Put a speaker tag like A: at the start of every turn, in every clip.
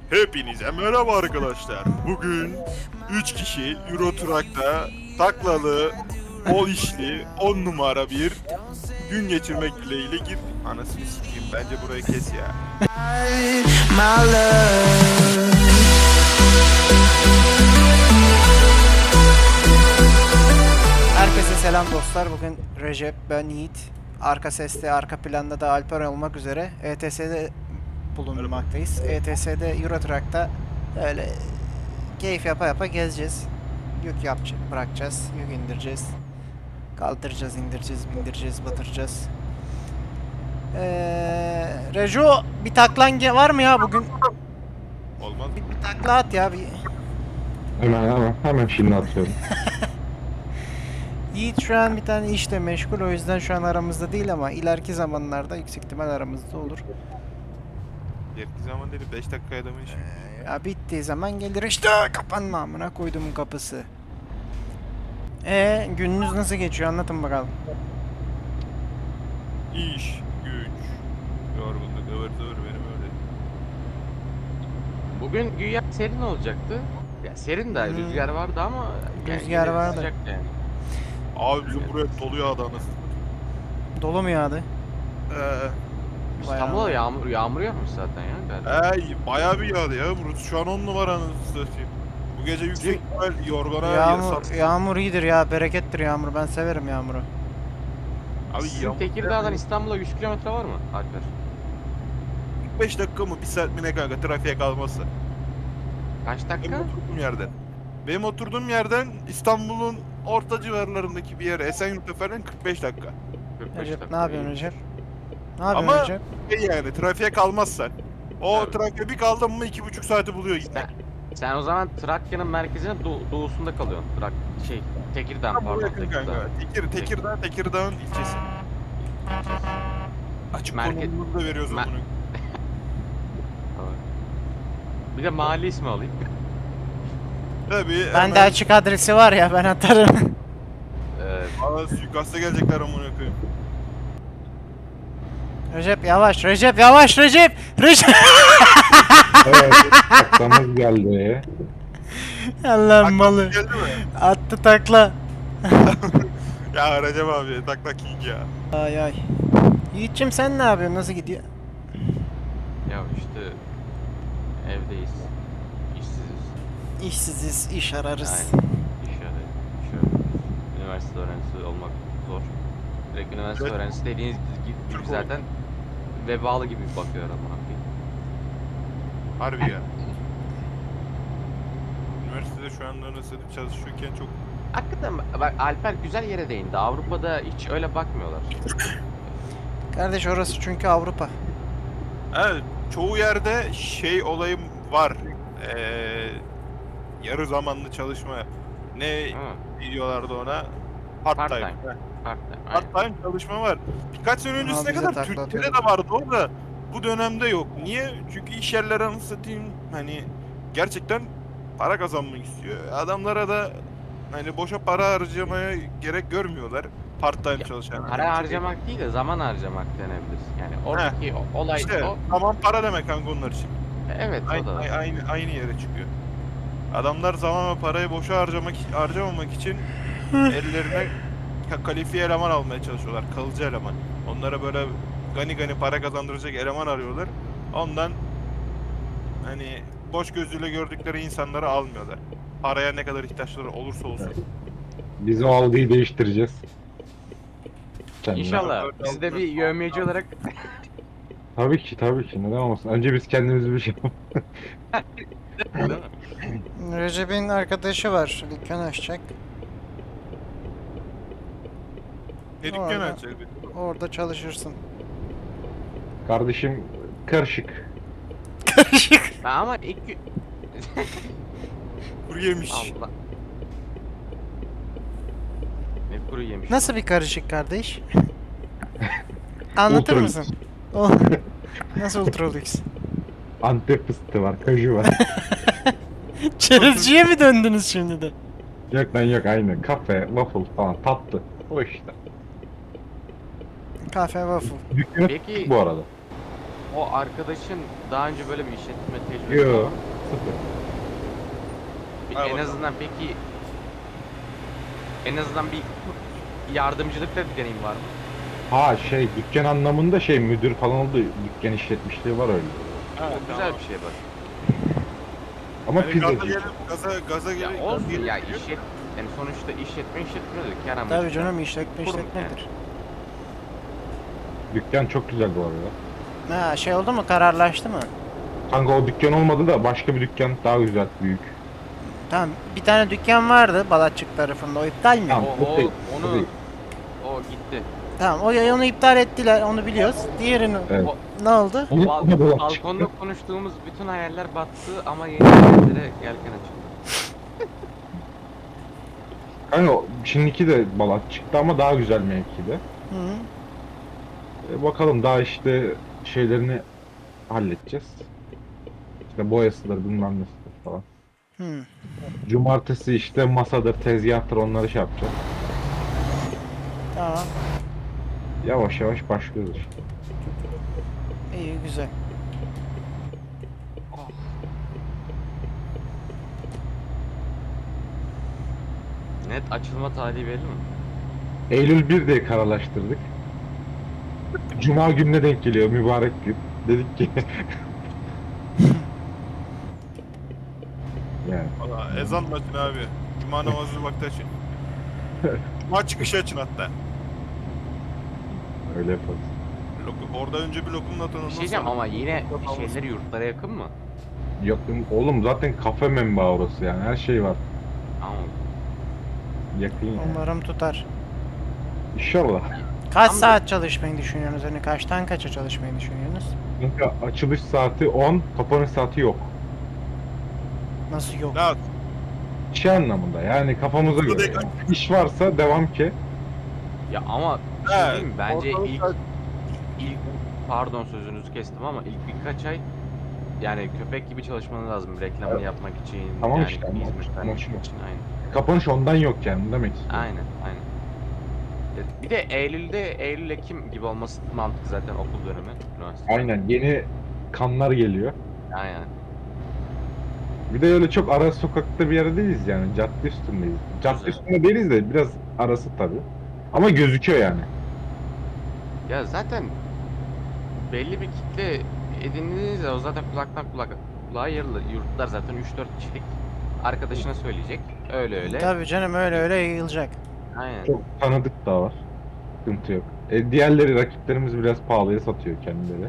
A: Hepinize merhaba arkadaşlar. Bugün 3 kişi Euro Truck'ta taklalı, bol işli, 10 numara bir gün geçirmek dileğiyle gir. Anasını sikeyim, bence burayı kes ya.
B: My love.
C: Herkese selam dostlar. Bugün Recep, ben Yiğit. Arka seste, arka planda da Alper olmak üzere ETS'de bulunmaktayız. ETS'de Euro Truck'ta öyle keyif yapa yapa gezeceğiz. Yük yapacağız, bırakacağız, yük indireceğiz. Kaldıracağız, indireceğiz, bindireceğiz, batıracağız. Rejo, bir taklan var mı ya bugün?
A: Olmaz.
C: Bir takla at ya bir.
D: Hemen şimdi atıyorum.
C: Yiğit şu an bir tane işle meşgul, o yüzden şu an aramızda değil ama ileriki zamanlarda yüksek ihtimal aramızda olur.
A: Yerki zaman değil, 5 dakikaya adamın işi.
C: Ya bittiği zaman gelir işte, kapanma amına koyduğumun kapısı. Gününüz nasıl geçiyor, anlatın bakalım.
A: İş, güç, yorgunluk, ıvır zıvır benim öyle.
E: Bugün güya serin olacaktı. Ya serin de rüzgar vardı ama
C: Rüzgar
E: yine
C: vardı.
E: sıcak yani.
A: Abi bizim buraya doluyor adanız.
C: Dolu mu yağdı?
E: İstanbul'da yağmur yağmış zaten ya galiba.
A: Bayağı bir yağdı ya burası. Şu an 10 numaranın satayım. Bu gece yüksek ihtimal yorgana
C: Yağmur iyidir ya, berekettir yağmur, ben severim yağmuru.
A: Abi
E: Sizin
A: yağmur
E: Tekirdağ'dan İstanbul'a 100 kilometre var mı Alper?
A: 5 dakika mı 1 saat mi ne kanka trafiğe kalması.
E: Kaç
A: Benim
E: dakika?
A: oturduğum yerden. Benim oturduğum yerden İstanbul'un orta civarlarındaki bir yere Esenyurt'a falan 45 dakika.
E: 45
C: Recep,
E: dakika.
C: ne yapıyorsun
E: iyi.
C: Recep? Ne yapıyorsun
A: Ama
C: Recep?
A: yani trafiğe kalmazsan. O
E: Tabii.
A: trafiğe bir kaldın mı 2,5 saati buluyor gitmek.
E: Sen o zaman Trakya'nın merkezinin doğusunda kalıyorsun. Tekirdağ
A: Tam buraya
E: pardon
A: yakın
E: Tekirdağ.
A: kanka. Tekirdağ'ın ilçesi. Açık
E: Merkez-
A: konumunu da veriyoruz
E: Mer-
A: onu.
E: Bir de mahalle ismi alayım.
A: Tabii.
C: Bende açık adresi var ya, ben atarım.
A: Aa, suikasta gelecekler amına koyayım.
C: Recep yavaş, Recep yavaş, Recep! Recep!
D: Evet, taklamız geldi.
C: Allah'ım malı.
A: Geldi mi?
C: Attı takla.
A: Ya Recep abi tak king ya.
C: Ay ay. Yiğit'cim sen ne yapıyorsun? Nasıl gidiyor?
E: Ya işte evdeyiz. İşsiziz.
C: İşsiziz, iş ararız.
E: Aynen. İş arıyoruz. Üniversite öğrencisi olmak zor. Direkt üniversite
A: Evet.
E: öğrencisi dediğiniz gibi
A: Türk
E: zaten vebalı gibi bakıyor ama.
A: Harbi ya. Üniversitede şu anda nasıl çalışıyorken çok...
E: Hakikaten bak Alper güzel yere değindi. Avrupa'da hiç öyle bakmıyorlar.
C: Kardeş orası çünkü Avrupa.
A: Evet, çoğu yerde şey olayım var. Yarı zamanlı çalışma. Ne
E: Ha,
A: diyorlardı ona? Part time.
E: Part-time. part-time.
A: Part
E: Aynen.
A: time çalışma var. Birkaç sene öncesine
C: bize
A: kadar
C: takla
A: Türkiye'de
C: atıyordu.
A: de vardı o da. Bu dönemde yok. Niye? Çünkü iş yerleri anasını satayım hani gerçekten para kazanmak istiyor. Adamlara da hani boşa para harcamaya gerek görmüyorlar. Part time
E: Ya,
A: çalışan.
E: Para harcamak değil de zaman harcamak denebilir. Yani oradaki olay
A: İşte
E: o.
A: tamam para demek kanka onlar için.
E: Evet o
A: Aynı,
E: da.
A: aynı yere çıkıyor. Adamlar zaman ve parayı boşa harcamamak için ellerine kalifiye eleman almaya çalışıyorlar. Kalıcı eleman. Onlara böyle gani para kazandıracak eleman arıyorlar. Ondan hani boş gözüyle gördükleri insanları almıyorlar. Paraya ne kadar ihtiyaçları olursa olsun.
D: Biz o algıyı değiştireceğiz. Kendine.
E: İnşallah. Biz de bir yövmeyeci olarak
D: Tabii ki neden olmasın. Önce biz kendimiz bir şey yapalım.
E: değil mi?
C: Recep'in arkadaşı var. Dükkan açacak.
A: Ne dükkan
C: Orada.
A: açacak?
C: Orada çalışırsın.
D: Kardeşim karışık.
E: Ha, ama ilk gün...
A: Kuru yemiş.
E: Allah. Ne kuru yemiş.
C: Nasıl bir karışık kardeş? Anlatır
D: Ultra
C: mısın? O nasıl ultralüks?
D: Antep fıstığı var, kaju var.
C: Çerezciye mi döndünüz şimdi de?
D: Yok lan yok aynı. Kafe, waffle falan tatlı. O işte.
C: Kafe waffle.
D: Dükkanı
E: Peki-
D: bu arada.
E: o arkadaşın daha önce böyle bir işletme tecrübesi var
D: Yok.
E: mı?
D: Sıfır.
A: Hay
E: En
A: bakalım.
E: azından peki en azından bir yardımcılık da deneyim var mı?
D: Ha şey dükkan anlamında şey müdür falan oldu. Dükkan işletmişliği var öyle.
A: Ha,
E: O güzel bir şey bak.
D: Ama
A: Yani
D: pizzacı.
A: gaza gelip gaza
E: Ya
A: gelip
E: olsun
A: gelip-
E: ya yani sonuçta işletmiyordur Kerem.
C: Tabii canım, işletme
E: Kurum
C: işletmedir.
D: Dükkan çok güzel bu arada.
C: Ha, şey oldu mu, kararlaştı mı?
D: Kanka o dükkan olmadı da başka bir dükkan daha güzel, büyük.
C: Tamam, bir tane dükkan vardı Balatçık tarafında, o iptal mi?
D: Tamam.
E: O
D: değil,
E: onu
D: değil.
E: o gitti.
C: Tamam, onu iptal ettiler, onu biliyoruz. Diğerini
D: Evet.
E: O,
C: ne oldu?
D: Onu da dolap
E: balkonda
D: çıktı.
E: konuştuğumuz bütün hayaller battı ama yeni hayallere yelken açıldı.
D: Kanka şimdiki de Balat çıktı ama daha güzel mevkide.
C: Hı -hı.
D: Bakalım daha işte şeylerini halledeceğiz. İşte boyasıdır bilmem nesidir falan.
C: Hı.
D: Cumartesi işte masadır, tezgahtır onları şey yapacağız.
C: Tamam,
D: Yavaş yavaş başlıyoruz işte.
C: iyi, güzel.
E: Net açılma tarihi belli mi?
D: Eylül 1 diye kararlaştırdık. Cuma gününe denk geliyor mübarek gün. Dedik ki yani
A: Valla ezan açın abi. Cuma namazı vakti açın. Cuma çıkışı açın hatta.
D: öyle yaparız.
A: Orada önce bir lokumla
E: Bir
A: tanınır.
E: şey diyeceğim ama yine şeyleri yurtlara yakın mı?
D: Yok oğlum zaten kafe menbaı orası yani her şey var.
E: Ama
D: Yakın yani.
C: Umarım tutar.
D: İnşallah.
C: Kaç
E: Tam da-
C: saat çalışmayı düşünüyorsunuz? Hani kaçtan kaça çalışmayı düşünüyorsunuz?
D: Kanka açılış saati 10, kapanış saati yok.
C: Nasıl yok?
A: Ya
D: Şey anlamında yani kafamıza
A: Bu
D: göre.
A: da-
D: Yani. İş varsa devam ki.
E: ya ama bir şey
A: Evet,
E: diyeyim mi? Bence
A: ortalık
E: ilk pardon sözünüzü kestim ama ilk birkaç ay yani köpek gibi çalışmanız lazım reklamını
D: Evet.
E: yapmak için.
D: Tamam
E: yani
D: işte,
E: hizmet
D: ama
E: vermek
D: şu-
E: için aynen.
D: Kapanış ondan yok yani demek istiyorum.
E: Aynen. Bir de Eylül Ekim gibi olması mantıklı zaten okul dönemi üniversite.
D: Aynen yeni kanlar geliyor.
E: Aynen.
D: Bir de öyle çok ara sokakta bir yerde değiliz yani cadde üstündeyiz. Cadde
E: Güzel.
D: üstünde değiliz de biraz arası tabii. Ama gözüküyor yani.
E: Ya zaten belli bir kitle edindiğinizde o zaten kulağa yarılı. Yurtlar zaten 3-4 kişilik arkadaşına söyleyecek. Öyle.
C: Tabii canım, öyle yayılacak.
E: Aynen.
D: Çok tanıdık da var. Sıkıntı yok. Diğerleri rakiplerimiz biraz pahalıya satıyor kendileri.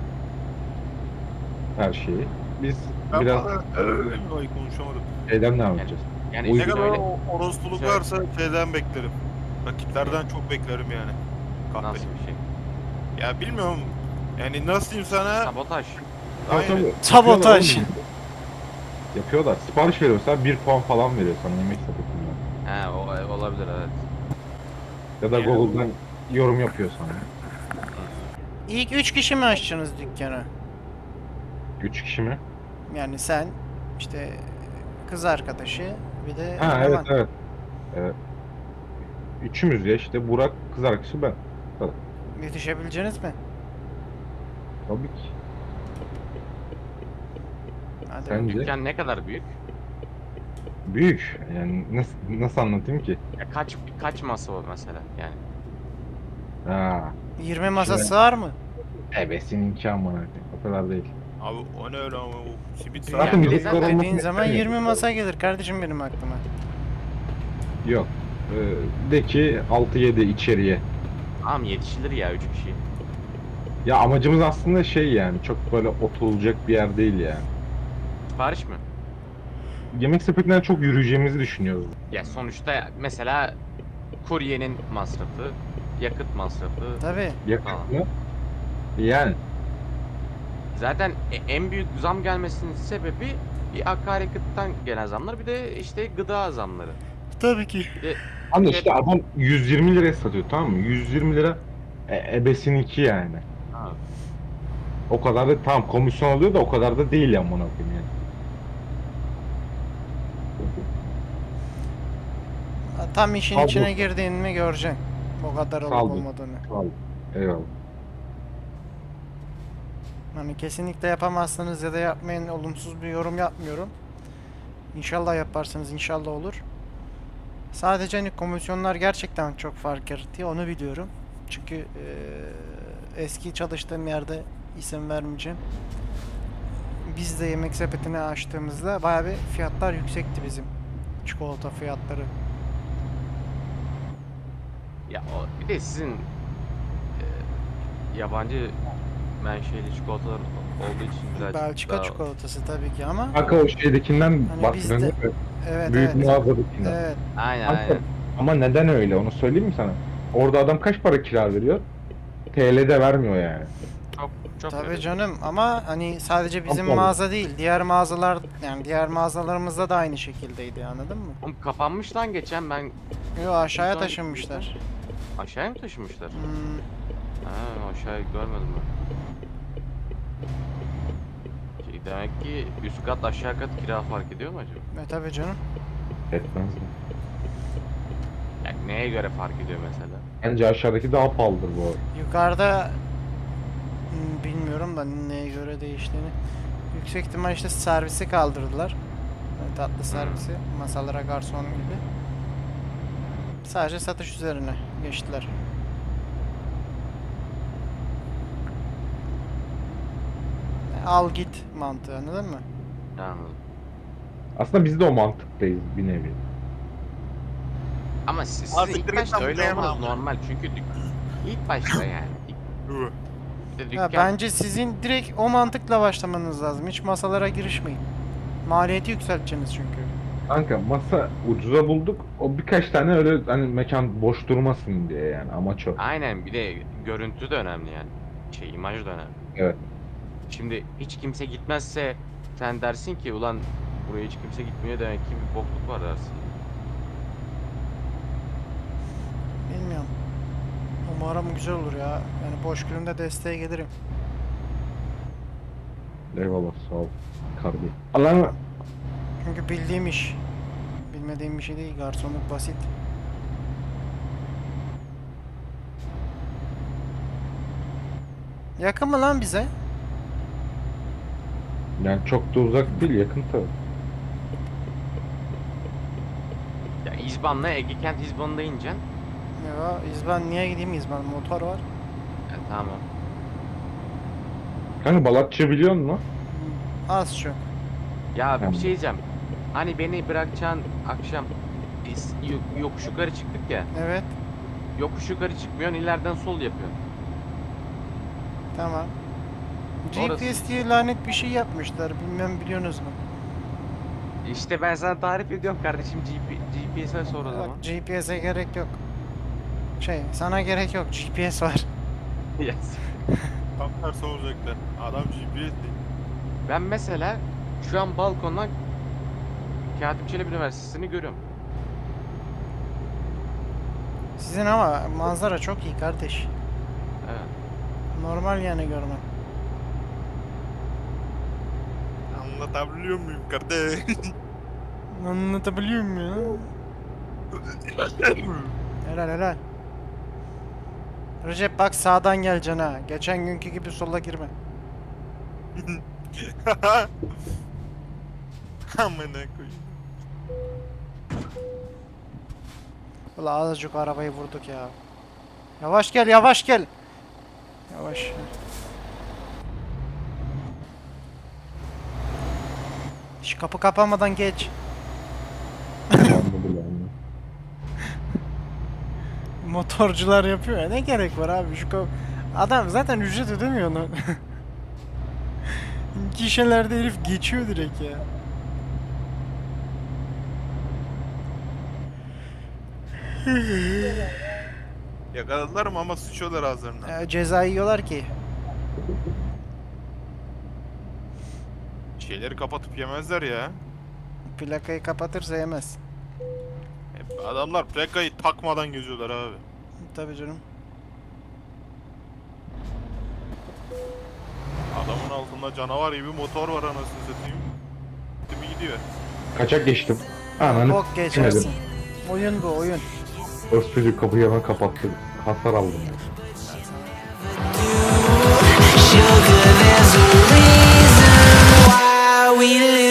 D: Her şeyi. Biz
A: ben
D: biraz
A: Ay konuşamadım.
D: şeyden devam edeceğiz.
E: Yani
D: O
A: Ne
E: işte
A: kadar
E: öyle
A: orospuluk
E: Şöyle-
A: varsa şeyden beklerim. Rakiplerden çok beklerim yani. Kahpe.
E: nasıl bir şey?
A: Ya bilmiyorum. Yani nasıl diyeyim sana?
E: Sabotaj.
A: Aynen.
D: Tabii,
C: Sabotaj.
D: yapıyorlar oğlum. Yapıyorlar. Sipariş veriyor mesela 1 puan falan veriyor sana yemek sepetinden.
E: He olabilir evet.
D: Ya da
A: Yani-
D: Google'dan yorum yapıyor sana.
C: İlk 3 kişi mi açacaksınız dükkanı?
D: 3 kişi mi?
C: Yani sen, işte kız arkadaşı, bir de
D: Ha evet
C: eleman.
D: evet. Evet. Üçümüz ya işte Burak, kız arkadaşı ben.
C: Yetişebileceğiniz mi?
D: Tabii ki.
C: Hadi.
D: Sence?
E: Dükkan ne kadar büyük?
D: Büyük. Yani nasıl anlatayım ki?
E: Ya kaç masa var mesela yani?
D: Ha.
C: 20 masa
D: Şimdi-
C: sığar mı?
D: Ebesininki amına. O kadar değil.
A: Abi o ne öyle ama o simit
D: Zaten
E: Yani
D: milletler
E: zaten
D: olmasını
C: Dediğin zaman
D: istemiyor.
C: 20 masa gelir kardeşim benim aklıma.
D: Yok. De ki 6-7 içeriye.
E: Tamam yetişilir ya 3 kişi.
D: Ya amacımız aslında şey yani çok böyle oturulacak bir yer değil yani.
E: Sipariş mi?
D: Yemek sepetinden çok yürüyeceğimizi düşünüyoruz.
E: Ya sonuçta mesela kuryenin masrafı, yakıt masrafı.
C: Tabii.
D: Yakın
E: Tamam.
D: mı? Yani.
E: Zaten en büyük zam gelmesinin sebebi bir akaryakıttan gelen zamlar bir de işte gıda zamları.
C: Tabii ki.
E: Bir de
D: Ama işte adam 120 liraya satıyor tamam mı? 120 lira ebesininki yani.
E: ha,
D: O kadar da tamam komisyon alıyor da o kadar da değil ya amına koyayım yani.
C: Tam işin
D: Sağ ol
C: içine
D: dostum.
C: girdiğin mi göreceksin. O kadar
D: Sağ
C: olup
D: ol dostum.
C: olmadığını.
D: Sağ ol. Eyvallah.
C: Hani kesinlikle yapamazsınız ya da yapmayın, olumsuz bir yorum yapmıyorum. İnşallah yaparsınız, inşallah olur. Sadece hani komisyonlar gerçekten çok fark yaratıyor, onu biliyorum. Çünkü eski çalıştığım yerde, isim vermeyeceğim, biz de yemek sepetini açtığımızda bayağı bir fiyatlar yüksekti bizim. Çikolata fiyatları.
E: Ya o, bir de sizin yabancı menşeli çikolatalar olduğu için birazcık
C: Belçika
E: daha...
C: çikolatası tabii ki ama
D: Kanka o şeydekinden
C: Hani
D: bahsediyorsun
C: bizde-
D: değil mi?
C: evet
D: Büyük
C: evet.
D: mağazadakinden.
C: Evet.
E: Aynen
D: Kanka,
E: aynen.
D: ama neden öyle onu söyleyeyim mi sana? Orada adam kaç para kira veriyor? TL'de vermiyor yani.
E: Çok
C: Tabii
E: öyle.
C: canım ama hani sadece bizim
D: Tabii.
C: mağaza değil, diğer mağazalar, yani diğer mağazalarımızda da aynı şekildeydi, anladın mı?
E: Oğlum kapanmış lan geçen ben
C: Yo, aşağıya
E: Son-
C: taşınmışlar.
E: aşağıya mı taşımışlar?
C: Hmm,
E: Ha, aşağıya görmedim ben. Demek ki üst kat aşağı kat kira fark ediyor mu acaba?
C: tabii canım.
D: Etmez mi?
E: Yani neye göre fark ediyor mesela?
D: Bence aşağıdaki daha pahalıdır bu arada.
C: Yukarıda bilmiyorum da neye göre değiştiğini. Yüksek ihtimal işte servisi kaldırdılar. Yani tatlı servisi, masalara garson gibi. Sadece satış üzerine geçtiler. Al git mantığı, anladın mı?
E: Anladım.
D: Aslında biz de o mantıktayız bir nevi.
E: Ama siz
A: Artık
E: ilk
A: direkt
E: başta
A: ben
E: öyle
A: buradayım
E: olmanız
A: abi.
E: normal çünkü ilk başta yani. Bir de
C: Ya
E: dükkan
C: bence sizin direkt o mantıkla başlamanız lazım. Hiç masalara girişmeyin. Maliyeti yükselteceksiniz çünkü.
D: Kanka masa ucuza bulduk. O birkaç tane öyle hani mekan boş durmasın diye yani amaç o.
E: aynen bir de görüntü de önemli yani. İmaj da önemli.
D: Evet.
E: Şimdi hiç kimse gitmezse sen dersin ki ulan buraya hiç kimse gitmiyor demek ki bir bokluk var dersin.
C: Bilmiyorum. Umarım güzel olur ya. Yani boş günümde desteğe gelirim.
D: Eyvallah sağ ol. Kardeşim. Allah'ım
C: Çünkü bildiğim iş. Bilmediğim bir şey değil. Garsonluk basit. Yakın mı lan bize?
D: yani çok da uzak değil yakın tabii.
E: Ya İzban'la Ege Kent İzban'da ineceksin.
C: Ya İzban, niye gideyim İzban? Motor var.
E: Ya, tamam.
D: Kanka Balatçı biliyor musun?
C: Az çok.
E: Ya bir
D: Tamam.
E: şey diyeceğim. Hani beni bırakacaksın akşam biz yokuş yukarı çıktık ya.
C: Evet.
E: Yokuş yukarı çıkmıyorsun ileriden sol yapıyorsun.
C: Tamam.
E: Orası-
C: GPS diye lanet bir şey yapmışlar. Bilmem biliyorsunuz mu?
E: İşte ben sana tarif ediyorum kardeşim GPS'e sor o zaman.
C: Bak, GPS'e gerek yok. Sana gerek yok. GPS var.
E: Yes.
A: Tam tersi olacaklar. Adam GPS değil.
E: Ben mesela şu an balkondan Katip Çelebi Üniversitesi'ni görüyorum.
C: Sizin ama manzara çok iyi kardeş.
E: Evet.
C: Normal yani görmen.
A: Anlatabiliyor muyum kardeş?
C: Anlatabiliyor muyum ya? Helal helal. Recep bak sağdan geleceksin ha. Geçen günkü gibi sola girme.
A: Amına koyayım.
C: Ulan azıcık arabayı vurduk ya. Yavaş gel, yavaş gel. Yavaş. Şu kapı kapanmadan geç.
D: Anladım yani.
C: Motorcular yapıyor ya. Ne gerek var abi şu kapı. Adam zaten ücret ödemiyor onu. Gişelerde herif geçiyor direkt ya.
A: Yakaladılar mı ama sıçıyorlar ağızlarına.
C: Ceza yiyorlar ki.
A: Şeyleri kapatıp yemezler ya.
C: Plakayı kapatırsa yemez.
A: Adamlar plakayı takmadan geziyorlar abi.
C: Tabii canım.
A: Adamın altında canavar gibi motor var anasını satayım. Gitti mi gidiyor.
D: Kaçak geçtim. Ananı
C: Bok geçersin. Oyun bu oyun.
D: Öz çocuk kapıyı hemen kapattı. Hasar aldım.
B: you. sugar, there's a reason why we live.